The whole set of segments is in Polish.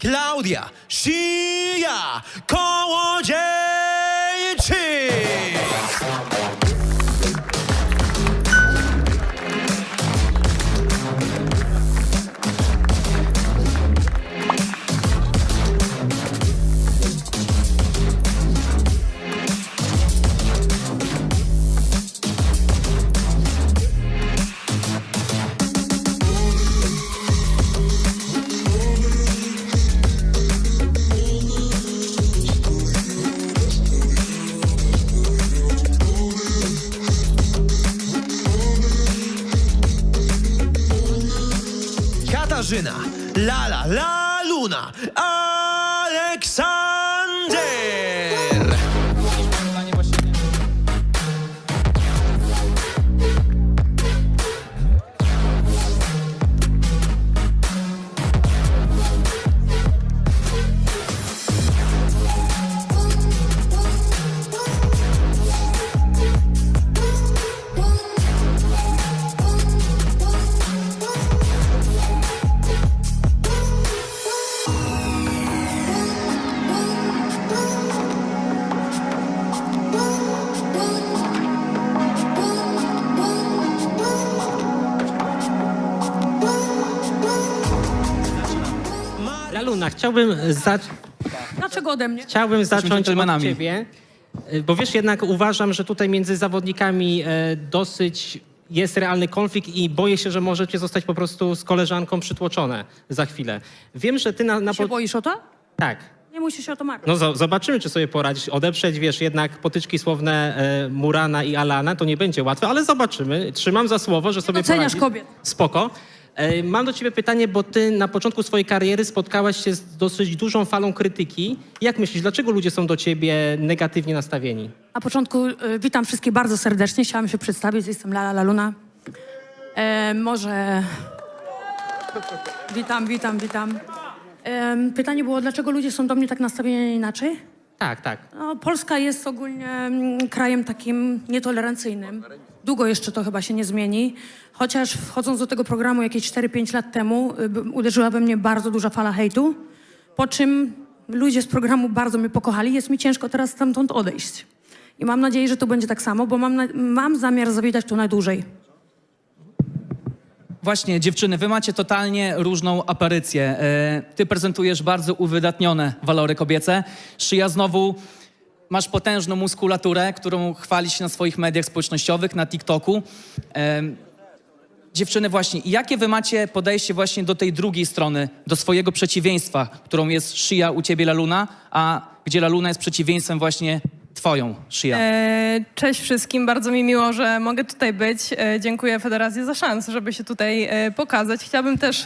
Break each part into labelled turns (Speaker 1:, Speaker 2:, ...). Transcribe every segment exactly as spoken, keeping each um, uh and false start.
Speaker 1: Klaudia Shia Kołodziejczyk. Katarzyna, Lala, La Luna, Aleksander.
Speaker 2: Laluna, chciałbym, za...
Speaker 3: Dlaczego ode mnie?
Speaker 2: chciałbym zacząć od
Speaker 4: dżentelmenami.
Speaker 2: ciebie, bo wiesz, jednak uważam, że tutaj między zawodnikami e, dosyć jest realny konflikt i boję się, że możecie zostać po prostu z koleżanką przytłoczone za chwilę. Wiem, że ty na... na
Speaker 3: Się
Speaker 2: po...
Speaker 3: boisz o to?
Speaker 2: Tak.
Speaker 3: Nie musisz się o to martwić.
Speaker 2: No zo- zobaczymy, czy sobie poradzisz. Odeprzeć, wiesz, jednak potyczki słowne e, Murana i Alana to nie będzie łatwe, ale zobaczymy. Trzymam za słowo, że sobie
Speaker 3: doceniasz
Speaker 2: poradzisz.
Speaker 3: kobiet.
Speaker 2: Spoko. E, mam do ciebie pytanie, bo ty na początku swojej kariery spotkałaś się z dosyć dużą falą krytyki. Jak myślisz, dlaczego ludzie są do ciebie negatywnie nastawieni?
Speaker 3: Na początku y, witam wszystkich bardzo serdecznie. Chciałam się przedstawić. Jestem Lala Laluna. E, może... Witam, witam, witam. E, pytanie było, dlaczego ludzie są do mnie tak nastawieni inaczej?
Speaker 2: Tak, tak.
Speaker 3: No, Polska jest ogólnie mm, krajem takim nietolerancyjnym. Długo jeszcze to chyba się nie zmieni. Chociaż wchodząc do tego programu jakieś cztery pięć lat temu y, b- uderzyła we mnie bardzo duża fala hejtu. Po czym ludzie z programu bardzo mnie pokochali. Jest mi ciężko teraz stamtąd odejść. I mam nadzieję, że to będzie tak samo, bo mam, na, mam zamiar zawitać tu najdłużej.
Speaker 4: Właśnie, dziewczyny, wy macie totalnie różną aparycję. E, Ty prezentujesz bardzo uwydatnione walory kobiece. Szyja znowu, masz potężną muskulaturę, którą chwalisz się na swoich mediach społecznościowych, na TikToku. E, Dziewczyny, właśnie, jakie wy macie podejście właśnie do tej drugiej strony, do swojego przeciwieństwa, którą jest Szyja u ciebie, Laluna, a gdzie Laluna jest przeciwieństwem właśnie twoją, Szyja?
Speaker 5: E, Cześć wszystkim, bardzo mi miło, że mogę tutaj być. E, Dziękuję Federacji za szansę, żeby się tutaj e, pokazać. Chciałabym też...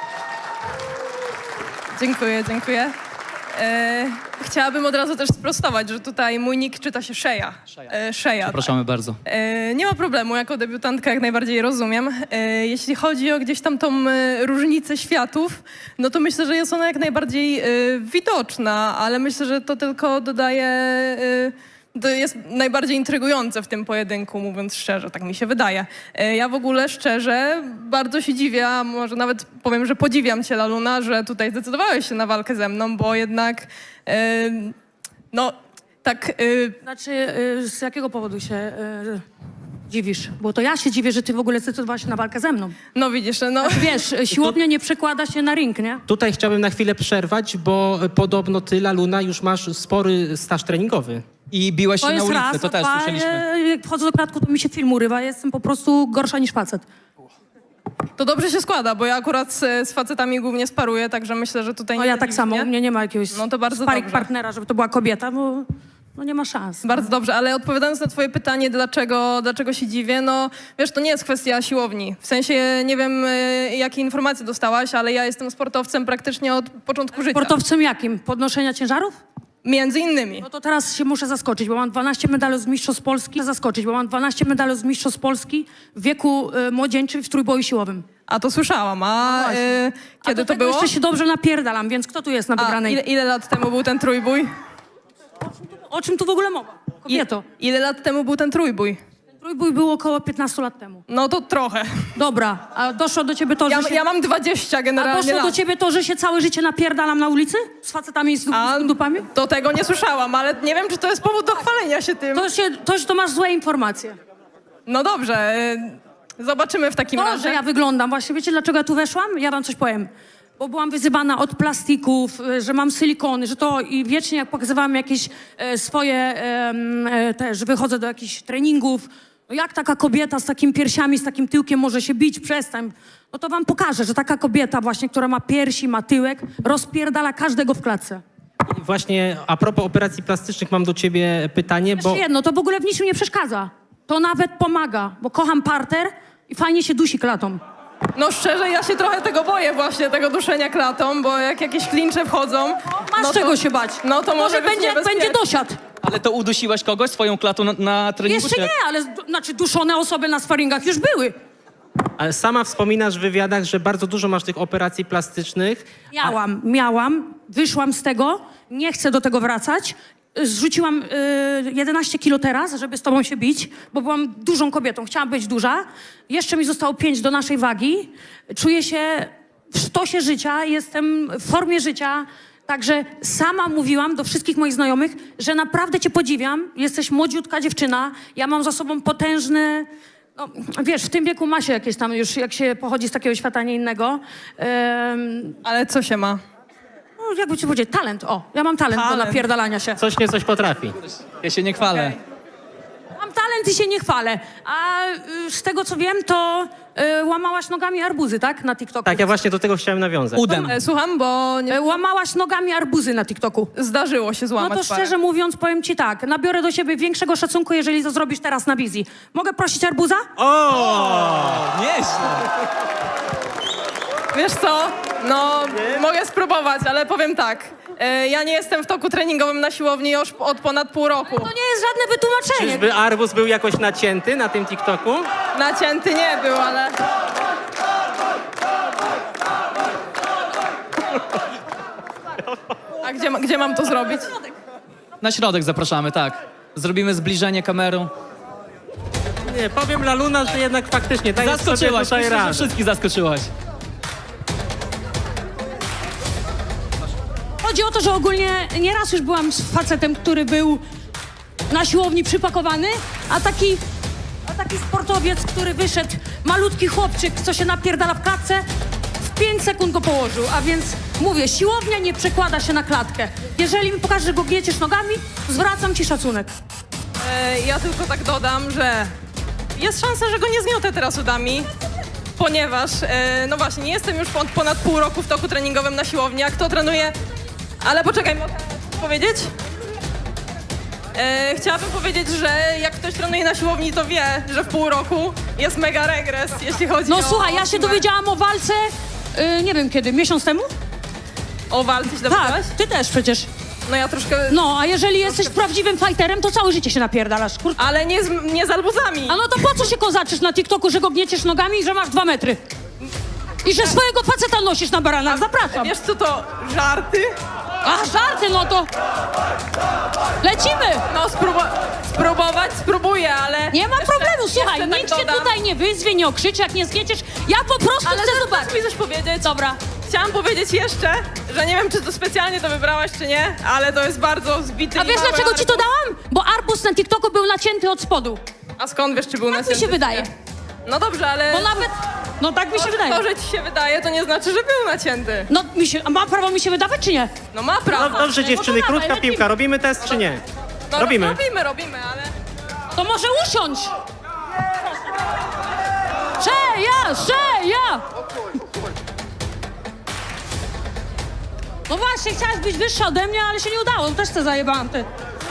Speaker 5: Dziękuję, dziękuję. E, Chciałabym od razu też sprostować, że tutaj mój nick czyta się Szeja. E, Szeja.
Speaker 4: Zapraszamy bardzo.
Speaker 5: E, Nie ma problemu, jako debiutantka jak najbardziej rozumiem. E, Jeśli chodzi o gdzieś tam tą e, różnicę światów, no to myślę, że jest ona jak najbardziej e, widoczna, ale myślę, że to tylko dodaje... e, To jest najbardziej intrygujące w tym pojedynku, mówiąc szczerze, tak mi się wydaje. E, Ja w ogóle szczerze bardzo się dziwię, a może nawet powiem, że podziwiam cię, Laluna, że tutaj zdecydowałeś się na walkę ze mną, bo jednak e, no tak... e,
Speaker 3: Znaczy, y, z jakiego powodu się y, dziwisz? Bo to ja się dziwię, że ty w ogóle zdecydowałaś się na walkę ze mną.
Speaker 5: No widzisz, no...
Speaker 3: Wiesz, siłownia nie przekłada się na ring, nie?
Speaker 2: Tutaj chciałbym na chwilę przerwać, bo podobno ty, Laluna, już masz spory staż treningowy.
Speaker 4: I biłeś się
Speaker 3: To
Speaker 4: na
Speaker 3: jest
Speaker 4: ulicy,
Speaker 3: raz,
Speaker 4: to też
Speaker 3: dwa,
Speaker 4: słyszeliśmy.
Speaker 3: e, jak wchodzę do klatku, to mi się film urywa. Jestem po prostu gorsza niż facet.
Speaker 5: To dobrze się składa, bo ja akurat z, z facetami głównie sparuję, także myślę, że tutaj
Speaker 3: No
Speaker 5: nie
Speaker 3: ja
Speaker 5: będzie
Speaker 3: tak samo, u
Speaker 5: dziwnie.
Speaker 3: mnie nie ma jakiegoś
Speaker 5: No to bardzo
Speaker 3: sparring
Speaker 5: dobrze.
Speaker 3: partnera, żeby to była kobieta, bo no nie ma szans.
Speaker 5: Bardzo dobrze, ale odpowiadając na twoje pytanie, dlaczego, dlaczego się dziwię, no wiesz, to nie jest kwestia siłowni. W sensie, nie wiem, y, jakie informacje dostałaś, ale ja jestem sportowcem praktycznie od początku życia.
Speaker 3: Sportowcem jakim? Podnoszenia ciężarów?
Speaker 5: Między innymi.
Speaker 3: No to teraz się muszę zaskoczyć, bo mam dwanaście medali z Mistrzostw Polski. Zaskoczyć, bo mam dwanaście medali z Mistrzostw Polski w wieku y, młodzieńczym w trójboju siłowym.
Speaker 5: A to słyszałam, a
Speaker 3: No właśnie.
Speaker 5: y,
Speaker 3: A
Speaker 5: kiedy
Speaker 3: do
Speaker 5: to
Speaker 3: tego
Speaker 5: było?
Speaker 3: jeszcze się dobrze napierdalam, więc kto tu jest na
Speaker 5: A
Speaker 3: wygranej?
Speaker 5: ile, ile lat temu był ten trójbój?
Speaker 3: O czym tu w ogóle mowa?
Speaker 5: I,
Speaker 3: Kobieto.
Speaker 5: ile lat temu był ten trójbój?
Speaker 3: Ten Mój bój był około piętnaście lat temu.
Speaker 5: No to trochę.
Speaker 3: Dobra, a doszło do ciebie to,
Speaker 5: Ja,
Speaker 3: że się...
Speaker 5: ja mam dwadzieścia
Speaker 3: A
Speaker 5: generalnie
Speaker 3: doszło do
Speaker 5: lat.
Speaker 3: ciebie to, że się całe życie napierdalam na ulicy? Z facetami i z,
Speaker 5: A
Speaker 3: z dupami?
Speaker 5: do tego nie słyszałam, ale nie wiem, czy to jest powód do chwalenia się tym.
Speaker 3: To, się, to, to masz złe informacje.
Speaker 5: No dobrze, y, zobaczymy w takim
Speaker 3: To,
Speaker 5: razie.
Speaker 3: że ja wyglądam, właśnie wiecie dlaczego ja tu weszłam? Ja wam coś powiem. Bo byłam wyzywana od plastików, y, że mam silikony, że to i wiecznie jak pokazywałam jakieś e, swoje em, e, też, wychodzę do jakichś treningów. No jak taka kobieta z takimi piersiami, z takim tyłkiem może się bić? Przestań. No to wam pokażę, że taka kobieta właśnie, która ma piersi, ma tyłek, rozpierdala każdego w klatce.
Speaker 2: I właśnie a propos operacji plastycznych mam do ciebie pytanie, bo...
Speaker 3: Jeszcze jedno, to w ogóle w niczym nie przeszkadza. To nawet pomaga, bo kocham parter i fajnie się dusi klatą.
Speaker 5: No szczerze, ja się trochę tego boję właśnie, tego duszenia klatą, bo jak jakieś klincze wchodzą...
Speaker 3: Masz
Speaker 5: no to,
Speaker 3: czego się bać.
Speaker 5: No to może,
Speaker 3: Może
Speaker 5: być
Speaker 3: będzie, jak będzie
Speaker 5: niebezpieczne.
Speaker 3: dosiad.
Speaker 4: Ale to udusiłaś kogoś swoją klatą na, na treningu?
Speaker 3: Jeszcze
Speaker 4: czy jak?
Speaker 3: nie, ale z- znaczy duszone osoby na sparingach już były.
Speaker 2: Ale sama wspominasz w wywiadach, że bardzo dużo masz tych operacji plastycznych.
Speaker 3: Miałam, miałam, wyszłam z tego, nie chcę do tego wracać. Zrzuciłam y, jedenaście kilo teraz, żeby z tobą się bić, bo byłam dużą kobietą, chciałam być duża. Jeszcze mi zostało pięć do naszej wagi. Czuję się w sztosie życia, jestem w formie życia. Także sama mówiłam do wszystkich moich znajomych, że naprawdę cię podziwiam. Jesteś młodziutka dziewczyna, ja mam za sobą potężny... No, wiesz, w tym wieku ma się jakieś tam już, jak się pochodzi z takiego świata, nie innego. Em,
Speaker 5: Ale co się ma?
Speaker 3: no, jakby ci powiedzieć, talent, o, ja mam talent, do
Speaker 5: Talent.
Speaker 3: napierdalania się.
Speaker 2: Coś nie coś potrafi.
Speaker 4: Ja się nie chwalę.
Speaker 5: Okej.
Speaker 3: Mam talent i się nie chwalę. A y, z tego, co wiem, to y, łamałaś nogami arbuzy, tak? Na TikToku.
Speaker 2: Tak, ja właśnie do tego chciałem nawiązać.
Speaker 4: Udem.
Speaker 5: E, Słucham, bo nie...
Speaker 3: Y, łamałaś nogami arbuzy na TikToku.
Speaker 5: zdarzyło się
Speaker 3: No
Speaker 5: złamać
Speaker 3: to
Speaker 5: parę.
Speaker 3: szczerze mówiąc, powiem ci tak, nabiorę do siebie większego szacunku, jeżeli to zrobisz teraz na wizji. Mogę prosić arbuza?
Speaker 2: O!
Speaker 4: Nieźle.
Speaker 5: Wiesz co? No, mogę spróbować, ale powiem tak. E, ja nie jestem w toku treningowym na siłowni już od ponad pół roku.
Speaker 3: To nie jest żadne wytłumaczenie.
Speaker 2: Czyżby arbuz był jakoś nacięty na tym TikToku?
Speaker 5: Nacięty nie był, ale... A gdzie, ma- gdzie mam to zrobić?
Speaker 4: Na środek zapraszamy, tak. Zrobimy zbliżenie kamerą.
Speaker 2: Nie, powiem Laluna, że jednak faktycznie dajesz sobie
Speaker 4: Zaskoczyłaś,
Speaker 2: tutaj
Speaker 4: myślę, że
Speaker 2: radę.
Speaker 4: wszystkich zaskoczyłaś.
Speaker 3: Chodzi o to, że ogólnie nieraz już byłam z facetem, który był na siłowni przypakowany, a taki, a taki sportowiec, który wyszedł, malutki chłopczyk, co się napierdala w klatce, w pięć sekund go położył. A więc mówię, siłownia nie przekłada się na klatkę. Jeżeli mi pokażesz, że go gnieciesz nogami, zwracam ci szacunek.
Speaker 5: E, ja tylko tak dodam, że jest szansa, że go nie zgniotę teraz udami, ponieważ, e, no właśnie, nie jestem już od ponad pół roku w toku treningowym na siłowni. A kto trenuje... Ale poczekaj, mogę powiedzieć? E, chciałabym powiedzieć, że jak ktoś trenuje na siłowni, to wie, że w pół roku jest mega regres, jeśli chodzi
Speaker 3: No
Speaker 5: o...
Speaker 3: słuchaj, ja się dowiedziałam o walce, yy, nie wiem kiedy, miesiąc temu?
Speaker 5: O walce się
Speaker 3: Tak,
Speaker 5: dowiedziałaś?
Speaker 3: ty też przecież.
Speaker 5: No ja troszkę...
Speaker 3: No, a jeżeli jesteś prawdziwym fighterem, to całe życie się napierdalasz. Kur...
Speaker 5: Ale nie z, nie z albuzami.
Speaker 3: A no to po co się kozaczysz na TikToku, że go gnieciesz nogami i że masz dwa metry? I że swojego faceta nosisz na baranach, zapraszam.
Speaker 5: Wiesz co to, żarty?
Speaker 3: A, żarty, no to... Lecimy!
Speaker 5: No spróbu- spróbować, spróbuję, ale...
Speaker 3: Nie ma
Speaker 5: jeszcze-
Speaker 3: problemu, słuchaj,
Speaker 5: jeszcze
Speaker 3: nikt
Speaker 5: tak
Speaker 3: cię
Speaker 5: dodam.
Speaker 3: tutaj nie wyzwie, nie okrzyczy, jak nie zgnieciesz. Ja po prostu
Speaker 5: Ale
Speaker 3: chcę
Speaker 5: chcesz
Speaker 3: zobaczyć.
Speaker 5: mi coś powiedzieć?
Speaker 3: Dobra.
Speaker 5: Chciałam powiedzieć jeszcze, że nie wiem, czy to specjalnie to wybrałaś, czy nie, ale to jest bardzo zbity
Speaker 3: A
Speaker 5: i
Speaker 3: wiesz,
Speaker 5: mały
Speaker 3: dlaczego ci to
Speaker 5: arbuz.
Speaker 3: dałam? Bo arbus na TikToku był nacięty od spodu.
Speaker 5: A skąd wiesz, czy był
Speaker 3: Tak mi
Speaker 5: nacięty,
Speaker 3: się
Speaker 5: czy
Speaker 3: wydaje.
Speaker 5: nie? No dobrze, ale...
Speaker 3: Bo nawet... No tak mi się
Speaker 5: to,
Speaker 3: wydaje.
Speaker 5: to, że ci się wydaje, to nie znaczy, że był nacięty.
Speaker 3: No, mi się, a ma prawo mi się wydawać, czy nie?
Speaker 5: No ma prawo.
Speaker 2: No dobrze dziewczyny,
Speaker 3: dawaj,
Speaker 2: krótka
Speaker 3: lecimy.
Speaker 2: piłka. Robimy test czy nie?
Speaker 5: No,
Speaker 2: Robimy.
Speaker 5: Robimy, robimy, ale...
Speaker 3: To może usiądź! Szeja, szeja! No właśnie, chciałaś być wyższa ode mnie, ale się nie udało. Też te zajebałam, ty.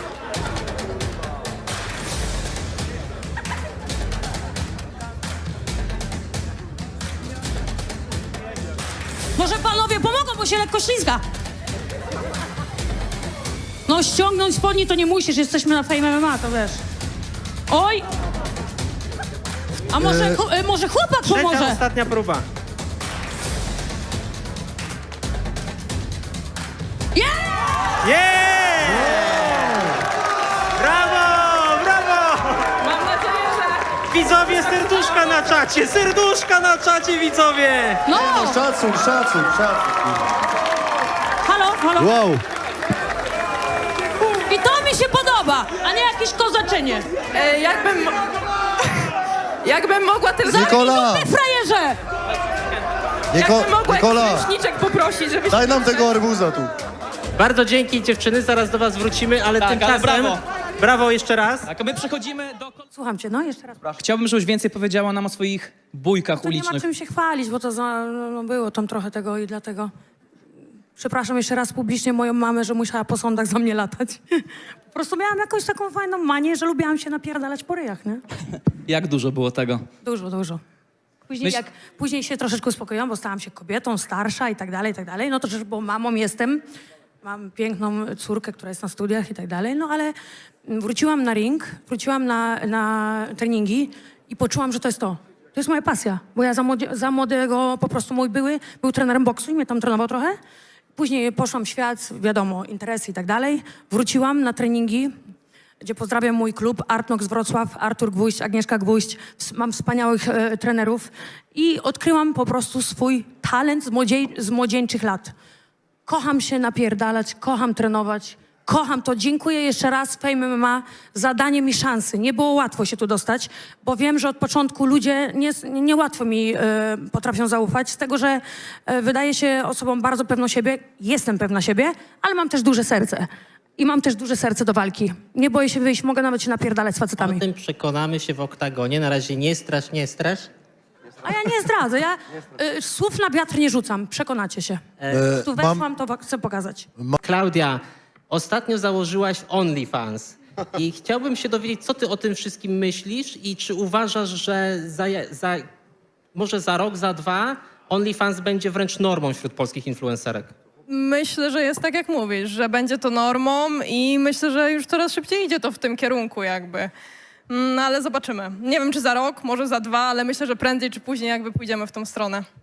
Speaker 3: Może panowie pomogą, bo się lekko ślizga. No ściągnąć spodni to nie musisz, jesteśmy na Fame M M A, to wiesz. Oj! A może, chu- e, może chłopak
Speaker 2: Trzecia,
Speaker 3: pomoże?
Speaker 2: ostatnia próba.
Speaker 3: Yeah!
Speaker 2: Yeah! Brawo! Brawo!
Speaker 5: Mam nadzieję, że
Speaker 2: serduszka na czacie, serduszka na czacie, widzowie!
Speaker 3: No!
Speaker 6: Szacun, szacun, szacun.
Speaker 3: Halo, halo.
Speaker 6: Wow.
Speaker 3: I to mi się podoba, a nie jakieś kozaczenie.
Speaker 5: E, jakbym... Jakbym mogła tylko...
Speaker 6: Nikola,
Speaker 3: Ty frajerze!
Speaker 6: Niko,
Speaker 5: Jakbym mogła
Speaker 6: Nikola,
Speaker 5: jakiś ręczniczek poprosić, żebyś...
Speaker 6: daj nam tego arbuza tu.
Speaker 2: Bardzo dzięki, dziewczyny, zaraz do was wrócimy, ale
Speaker 4: Tak, ale
Speaker 2: tymczasem...
Speaker 4: brawo.
Speaker 2: Brawo jeszcze raz.
Speaker 4: Tak, a my przechodzimy do...
Speaker 3: Słucham cię, no jeszcze raz.
Speaker 4: Chciałbym, żebyś więcej powiedziała nam o swoich bójkach
Speaker 3: To nie ma
Speaker 4: ulicznych.
Speaker 3: czym się chwalić, bo to za, no, było tam trochę tego i dlatego... Przepraszam jeszcze raz publicznie moją mamę, że musiała po sądach za mnie latać. Po prostu miałam jakąś taką fajną manię, że lubiłam się napierdalać po ryjach, nie?
Speaker 4: Jak dużo było tego?
Speaker 3: Dużo, dużo. Później,
Speaker 4: Myśl-
Speaker 3: jak, później się troszeczkę uspokoiłam, bo stałam się kobietą, starsza i tak dalej, i tak dalej. No to też, bo mamą jestem, mam piękną córkę, która jest na studiach i tak dalej, no ale wróciłam na ring, wróciłam na, na treningi i poczułam, że to jest to. To jest moja pasja, bo ja za, młode, za młodego, po prostu mój były, był trenerem boksu i mnie tam trenował trochę. Później poszłam w świat, wiadomo, interesy i tak dalej. Wróciłam na treningi, gdzie pozdrawiam mój klub Artnox Wrocław, Artur Gwóźdź, Agnieszka Gwóźdź. Ws- Mam wspaniałych e, trenerów i odkryłam po prostu swój talent z, młodziej, z młodzieńczych lat. Kocham się napierdalać, kocham trenować, kocham to. Dziękuję jeszcze raz Fame M M A za danie mi szansy. Nie było łatwo się tu dostać, bo wiem, że od początku ludzie nie, niełatwo mi e, potrafią zaufać, z tego, że e, wydaje się osobą bardzo pewną siebie. Jestem pewna siebie, ale mam też duże serce. I mam też duże serce do walki. Nie boję się wyjść, mogę nawet się napierdalać z
Speaker 2: O
Speaker 3: facetami.
Speaker 2: tym przekonamy się w oktagonie. Na razie nie strasz, nie strasz.
Speaker 3: A ja nie zdradzę, ja y, słów na wiatr nie rzucam, przekonacie się.
Speaker 6: E,
Speaker 3: Tu
Speaker 6: mam-
Speaker 3: weszłam, to wa- chcę pokazać.
Speaker 2: Klaudia, ostatnio założyłaś OnlyFans i chciałbym się dowiedzieć, co ty o tym wszystkim myślisz i czy uważasz, że za, za, może za rok, za dwa OnlyFans będzie wręcz normą wśród polskich influencerek?
Speaker 5: Myślę, że jest tak jak mówisz, że będzie to normą i myślę, że już coraz szybciej idzie to w tym kierunku jakby. No ale zobaczymy. Nie wiem, czy za rok, może za dwa, ale myślę, że prędzej czy później jakby pójdziemy w tą stronę.